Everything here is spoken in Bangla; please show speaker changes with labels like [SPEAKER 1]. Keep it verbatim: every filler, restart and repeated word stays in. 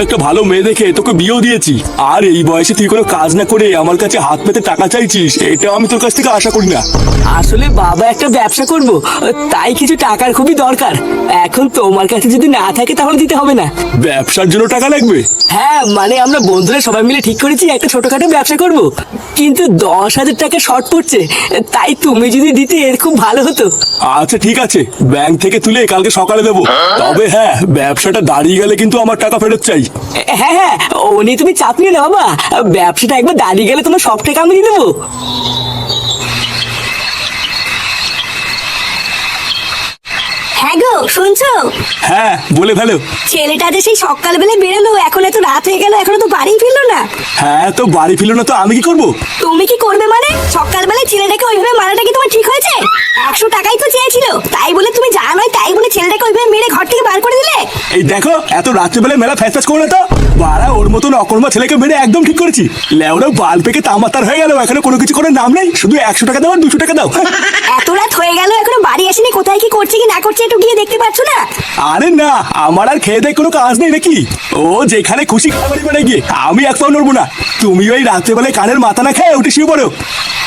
[SPEAKER 1] একটা ভালো মেয়ে দেখে তোকে বিয়েও দিয়েছি, আর এই বয়সে তুই কোনো কাজ না করে আমার কাছে হাত পেতে টাকা চাইছিস, এটা আমি তোর কাছ থেকে আশা করি না।
[SPEAKER 2] আসলে বাবা একটা ব্যবসা করব, তাই কিছু টাকার খুবই দরকার। এখন তোমার কাছে যদি না থাকে তাহলে দিতে হবে না।
[SPEAKER 1] ব্যবসার জন্য টাকা লাগবে?
[SPEAKER 2] হ্যাঁ, মানে আমরা বন্ধুরা সবাই মিলে ঠিক করেছি একটা ছোটখাটো ব্যবসা করব, কিন্তু দশ হাজার টাকা শর্ট পড়ছে, তাই তুমি যদি দিতে এর খুব ভালো হতো।
[SPEAKER 1] আচ্ছা ঠিক আছে, ব্যাংক থেকে তুলে কালকে সকালে দেবো। তবে হ্যাঁ, ব্যবসাটা দাঁড়িয়ে গেলে কিন্তু আমার টাকা ফেরত চাই।
[SPEAKER 2] হ্যাঁ হ্যাঁ, ও নিয়ে তুমি চাপ নিও না বাবা, ব্যবসাটা একবার দাঁড়িয়ে গেলে তোমার সব টাকা আমি দিয়ে দেবো।
[SPEAKER 3] হ্যাঁ গো, শুনছো?
[SPEAKER 1] হ্যাঁ বলে ফেলো।
[SPEAKER 3] ছেলেটা যে সেই সকালবেলা বেরোলো, এখন এত রাত হয়ে গেল, এখনো তো বাড়ি ফিরলো না।
[SPEAKER 1] হ্যাঁ তো বাড়ি ফিরলো না তো আমি কি করবো?
[SPEAKER 3] তুমি কি করবে মানে? সকালবেলায় ছেলেটাকে ওইভাবে মারাটা কি তোমার ঠিক হয়েছে? একশো টাকাই তো চেয়েছিল, তাই বলে তুমি যা নয় তাই বলে ছেলেটাকে ওইভাবে মেরে ঘর থেকে বার করে দিলে।
[SPEAKER 1] এই দেখো, এত রাত্রেবেলায় মেলা ফ্যাস ফ্যাস করো না তো। বাড়া, ওর মতন অকর্মা ছেলেকে মেরে একদম ঠিক করেছি। লেওরা বাল পেকে তামাতার হয়ে গেল, এখানে কোনো কিছু করার নাম নেই, শুধু একশো টাকা দাও আর দুশো টাকা দাও।
[SPEAKER 3] এত রাত হয়ে গেল, এখনো বাড়ি আসেনি, কোথায় কি করছে কি না করছে একটু গিয়ে দেখতে পাচ্ছ না?
[SPEAKER 1] আরে না, আমার আর খেয়ে দেয় কোনো কাজ নেই নাকি? ও যেখানে খুশি খাবারই বেড়ে গিয়ে আমি এক পাও নড়বো না। তুমি ওই রাত্রেবেলায় কানের মাথা না খেয়ে উঠে শুয়ে পড়ো।